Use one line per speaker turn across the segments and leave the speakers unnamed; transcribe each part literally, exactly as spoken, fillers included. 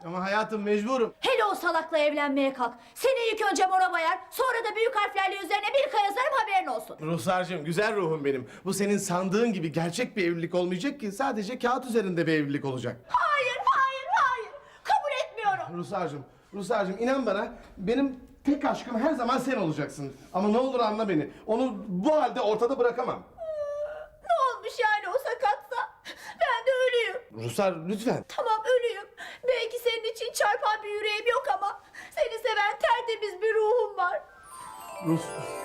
Ama hayatım mecburum.
Hele o salakla evlenmeye kalk. Seni ilk önce mora bayar, sonra da büyük harflerle üzerine bir yazarım, haberin olsun.
Ruhsarcığım, güzel ruhum benim. Bu senin sandığın gibi gerçek bir evlilik olmayacak ki. Sadece kağıt üzerinde bir evlilik olacak.
Hayır, hayır, hayır. Kabul etmiyorum.
Ruhsarcığım, Ruhsarcığım inan bana, benim tek aşkım her zaman sen olacaksın. Ama ne olur anla beni. Onu bu halde ortada bırakamam.
Ne olmuş yani o sakatsa? Ben de ölüyüm.
Ruhsar lütfen.
Tamam, ölüyüm. Belki senin için çarpan bir yüreğim yok ama seni seven tertemiz bir ruhum var.
Rus...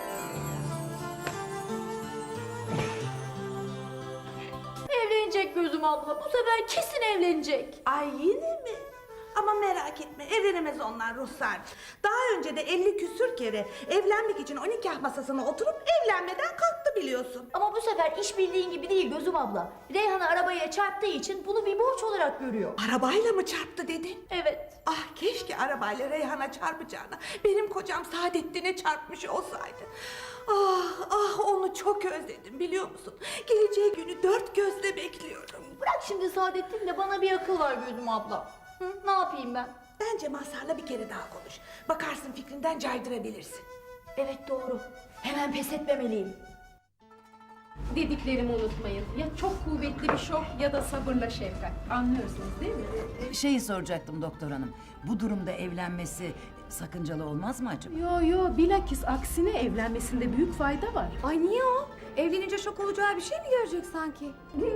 Evlenecek gözüm abla. Bu sefer kesin evlenecek.
Ay yine mi? Ama merak etme, evlenemez onlar Ruhsar. Daha önce de elli küsür kere evlenmek için o nikah masasına oturup evlenmeden kalktı biliyorsun.
Ama bu sefer iş bildiğin gibi değil gözüm abla. Reyhan'ı arabaya çarptığı için bunu bir borç olarak görüyor.
Arabayla mı çarptı dedin?
Evet.
Ah keşke arabayla Reyhan'a çarpacağına benim kocam Saadettin'e çarpmış olsaydı. Ah ah onu çok özledim biliyor musun? Geleceği günü dört gözle bekliyorum.
Bırak şimdi Saadettin de bana bir akıl var gözüm abla. Hı, ne yapayım ben?
Bence Mazhar'la bir kere daha konuş. Bakarsın fikrinden caydırabilirsin.
Evet doğru. Hemen pes etmemeliyim.
Dediklerimi unutmayın. Ya çok kuvvetli bir şok ya da sabırla şefkat. Anlıyorsunuz değil mi?
Şeyi soracaktım doktor hanım. Bu durumda evlenmesi sakıncalı olmaz mı acaba?
Yo yo, bilakis aksine evlenmesinde büyük fayda var.
Ay niye o? Evlenince şok olacağı bir şey mi görecek sanki?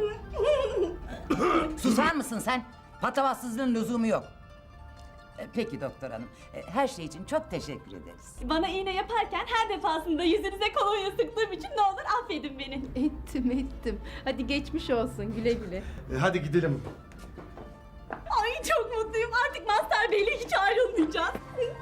Susar mısın sen? Patavatsızlığın lüzumu yok. E, Peki doktor hanım. E, Her şey için çok teşekkür ederiz.
Bana iğne yaparken her defasında yüzünüze kolonya sıktığım için ne olur affedin beni.
Ettim ettim. Hadi geçmiş olsun, güle güle.
E, hadi gidelim.
Ay çok mutluyum. Artık Mazhar Bey'le hiç ayrılmayacağız.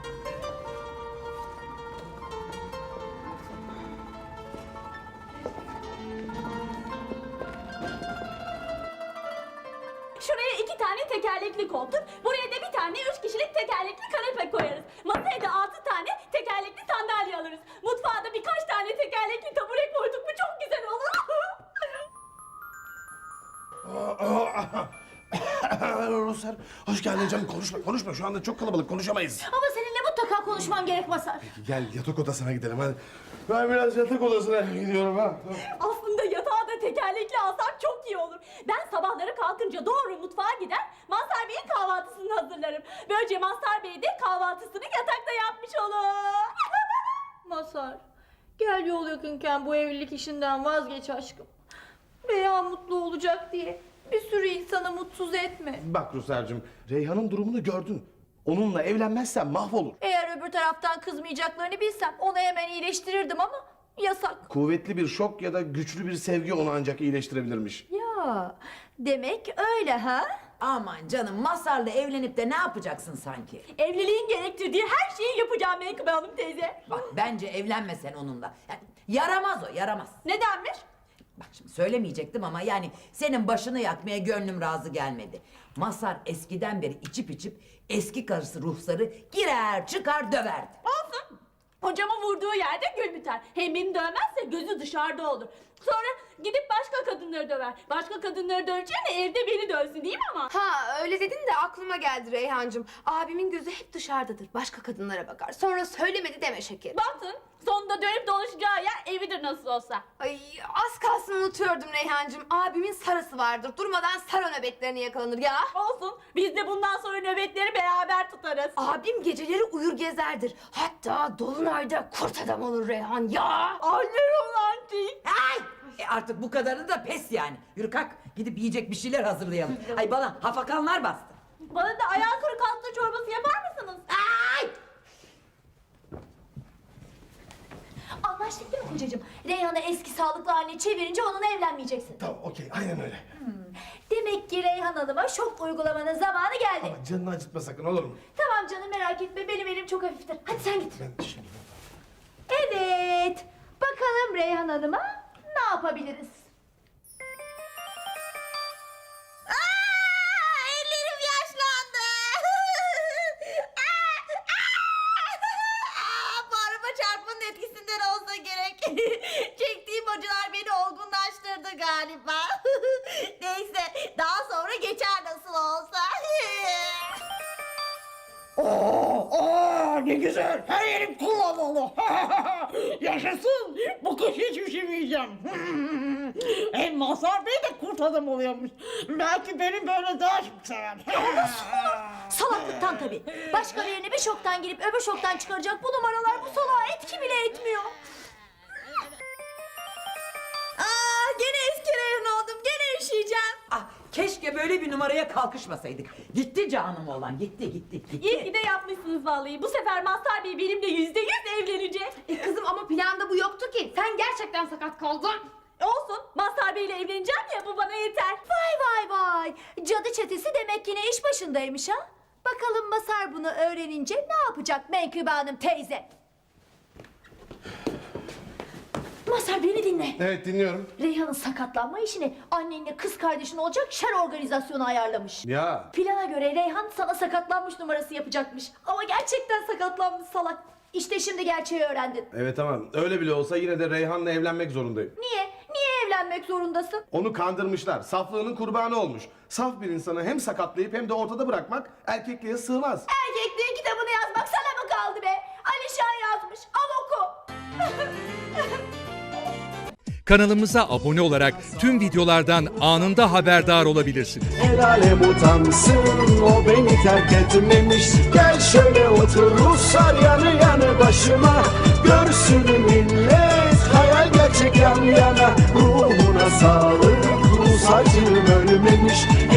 Şuraya iki tane tekerlekli koltuk, buraya da bir tane üç kişilik tekerlekli kanepe koyarız. Masaya da altı tane tekerlekli sandalye alırız. Mutfağa da birkaç tane tekerlekli tabure koyduk mu çok güzel olur.
Ruhsar, hoş geldin canım. Konuşma, konuşma. Şu anda çok kalabalık, konuşamayız.
Ama seninle mutlaka konuşmam gerek Mazhar.
Gel yatak odasına gidelim hadi. Ben biraz yatak odasına gidiyorum ha.
Aslında yatağı da tekerlekli alsam çok iyi olur. Ben sabahları kalkınca doğru mutfağa gider, Mazhar Bey'in kahvaltısını hazırlarım. Böylece Mazhar Bey de kahvaltısını yatakta yapmış olur.
Mazhar, gel yol yakınken bu evlilik işinden vazgeç aşkım. Reyhan mutlu olacak diye bir sürü insanı mutsuz etme.
Bak Ruhsar'cığım, Reyhan'ın durumunu gördün. Onunla evlenmezsen mahvolur.
Eğer öbür taraftan kızmayacaklarını bilsem onu hemen iyileştirirdim ama yasak.
Kuvvetli bir şok ya da güçlü bir sevgi onu ancak iyileştirebilirmiş.
Ya demek öyle ha?
Aman canım, Mazhar'la evlenip de ne yapacaksın sanki?
Evliliğin gerektirdiği her şeyi yapacağım Menkıbe Hanım teyze.
Bak bence evlenme sen onunla. Yani yaramaz o, yaramaz.
Nedenmiş?
Bak şimdi söylemeyecektim ama yani senin başını yakmaya gönlüm razı gelmedi. Mazhar eskiden beri içip içip eski karısı Ruhsar'ı girer çıkar döverdi.
Olsun. Hocama vurduğu yerde gül biter. Hem beni dövmezse gözü dışarıda olur. Sonra gidip başka kadınları döver. Başka kadınları döveceğine evde beni dövsün değil mi ama?
Ha öyle dedin de aklıma geldi Reyhancığım. Abimin gözü hep dışarıdadır. Başka kadınlara bakar. Sonra söylemedi deme şekerim.
Baktın sonunda dönüp dolaşacağı yer evidir nasıl olsa.
Ay az kalsın unutuyordum Reyhancığım. Abimin sarısı vardır. Durmadan sarı nöbetlerine yakalanır ya.
Olsun biz de bundan sonra nöbetleri beraber tutarız.
Abim geceleri uyur gezerdir. Hatta dolunayda kurt adam olur Reyhan ya.
Ay ne romantik.
Ay! E artık bu kadarını da pes yani. Yürü kalk gidip yiyecek bir şeyler hazırlayalım. Ay bana hafakanlar bastı.
Bana da ayağı kırık hasta çorbası yapar mısınız?
Ay!
Anlaştık değil mi kocacığım? Reyhan'ı eski sağlıklı haline çevirince onunla evlenmeyeceksin.
Tamam, okey, aynen öyle.
Demek ki Reyhan Hanım'a şok uygulamanın zamanı geldi.
Ama canını acıtma sakın, olur mu?
Tamam canım, merak etme, benim elim çok hafiftir. Hadi sen git.
Ben şimdi...
Evet. Bakalım Reyhan Hanım'a ne yapabiliriz?
Ellerim yaşlandı. Bu araba çarpmanın etkisinden olsa gerek. Çektiğim acılar beni olgunlaştırdı galiba. Neyse daha sonra geçer nasıl olsa.
Oo, oo, ne güzel. Her yerim kullanmalı. Yaşasın. Bu kış hiç üşümeyeceğim. Hem Mazhar Bey de kurt adam oluyormuş. Belki beni böyle daha çok sever.
Salaklıktan tabii. Başka birine bir şoktan girip öbür şoktan çıkaracak bu numaralar bu salağa etki bile etmiyor. Aa, gene eski Reyhan oldum. Gene üşüyeceğim.
Ah, keşke böyle bir numaraya kalkışmasaydık. Gitti canım oğlan, gitti gitti gitti.
İyi ki de yapmışsınız vallahi. Bu sefer Mazhar Bey benimle yüzde yüz evlenecek.
E kızım ama planda bu yoktu ki. Sen gerçekten sakat kaldın.
Olsun. Mazhar Bey'le evleneceğim ya, bu bana yeter.
Vay vay vay. Cadı çetesi demek yine iş başındaymış ha. Bakalım Masar bunu öğrenince ne yapacak Menkıbe Hanım teyze? Masar beni dinle.
Evet dinliyorum.
Reyhan'ın sakatlanma işini annenle kız kardeşin olacak şer organizasyonu ayarlamış.
Ya.
Plana göre Reyhan sana sakatlanmış numarası yapacakmış. Ama gerçekten sakatlanmış salak. İşte şimdi gerçeği öğrendin.
Evet tamam. Öyle bile olsa yine de Reyhan'la evlenmek zorundayım.
Niye? Niye evlenmek zorundasın?
Onu kandırmışlar. Saflığının kurbanı olmuş. Saf bir insanı hem sakatlayıp hem de ortada bırakmak erkekliğe sığmaz.
Erkekliğin kitabını yazmak sana mı kaldı be? Alişan yazmış. Al oku.
Kanalımıza abone olarak tüm videolardan anında haberdar olabilirsiniz.
El alem utansın, o beni terk etmemiş. Gel şöyle otur Ruslar yanı yanı başıma. Görsün millet hayal gerçek yan yana. Ruhuna sağlık, Rus acım ölmemiş.